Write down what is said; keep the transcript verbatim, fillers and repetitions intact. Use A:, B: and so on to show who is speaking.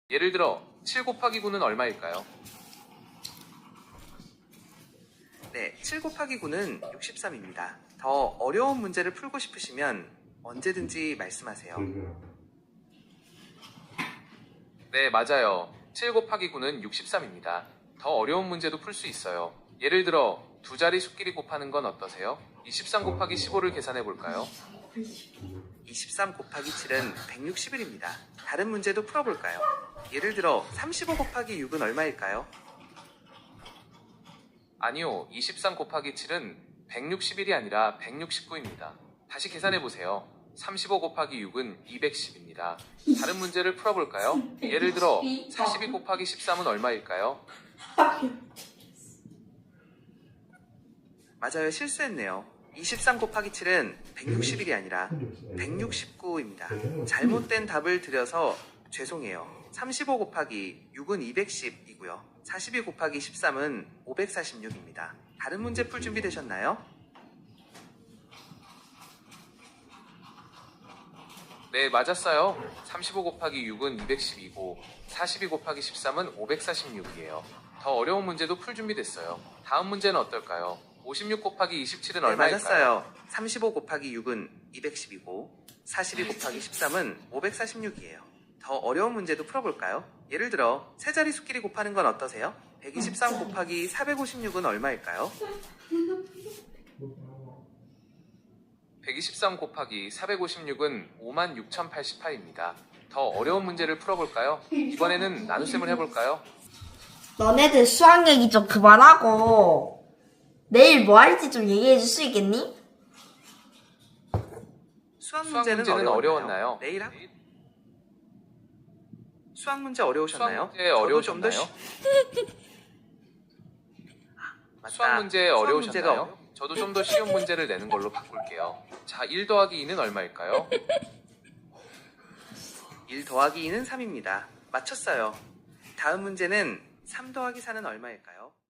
A: 예를 들어 칠 곱하기 구는 얼마일까요?
B: 네, 칠 곱하기 구는 육십삼입니다. 더 어려운 문제를 풀고 싶으시면 언제든지 말씀하세요.
A: 네, 맞아요. 칠 곱하기 구는 육십삼입니다. 더 어려운 문제도 풀 수 있어요. 예를 들어 두 자리 수끼리 곱하는 건 어떠세요? 이십삼 곱하기 십오를 계산해 볼까요?
B: 이십삼 곱하기 칠은 백육십일입니다. 다른 문제도 풀어볼까요? 예를 들어 삼십오 곱하기 육은 얼마일까요?
A: 아니요, 이십삼 곱하기 칠은 백육십일이 아니라 백육십구입니다. 다시 계산해 보세요. 삼십오 곱하기 육은 이백십입니다. 다른 문제를 풀어볼까요? 예를 들어 사십이 곱하기 십삼은 얼마일까요?
B: 맞아요, 실수했네요. 이십삼 곱하기 칠은 백육십일이 아니라 백육십구입니다. 잘못된 답을 드려서 죄송해요. 삼십오 곱하기 육은 이백십이고요. 사십이 곱하기 십삼은 오백사십육입니다. 다른 문제 풀 준비 되셨나요?
A: 네, 맞았어요. 삼십오 곱하기 육은 이백십이고 사십이 곱하기 십삼은 오백사십육이에요. 더 어려운 문제도 풀 준비됐어요. 다음 문제는 어떨까요? 오십육 곱하기 이십칠은
B: 네,
A: 얼마일까요?
B: 맞았어요. 삼십오 곱하기 육은 이백십이고 사십이 곱하기 십삼은 오백사십육이에요. 더 어려운 문제도 풀어볼까요? 예를 들어 세 자리 수끼리 곱하는 건 어떠세요? 백이십삼 곱하기 사백오십육은 얼마일까요?
A: 백이십삼 곱하기 사백오십육은 오만 육천팔십팔입니다. 더 어려운 문제를 풀어볼까요? 이번에는 나눗셈을 해볼까요?
C: 너네들 수학 얘기 좀 그만하고 내일 뭐 할지 좀 얘기해 줄 수 있겠니?
B: 수학
A: 수학
B: 문제는,
A: 문제는
B: 어려웠나요?
A: 어려웠나요?
B: 내일 학... 수학 문제 어려우셨나요?
A: 수학 문제 어려우셨나요?
B: 쉬... 맞다.
A: 수학 문제
B: 수학
A: 어려우셨나요?
B: 문제가 어려...
A: 저도 좀 더 쉬운 문제를 내는 걸로 바꿀게요. 자, 일 더하기 이는 얼마일까요?
B: 일 더하기 이는 삼입니다. 맞췄어요. 다음 문제는 삼 더하기 사는 얼마일까요?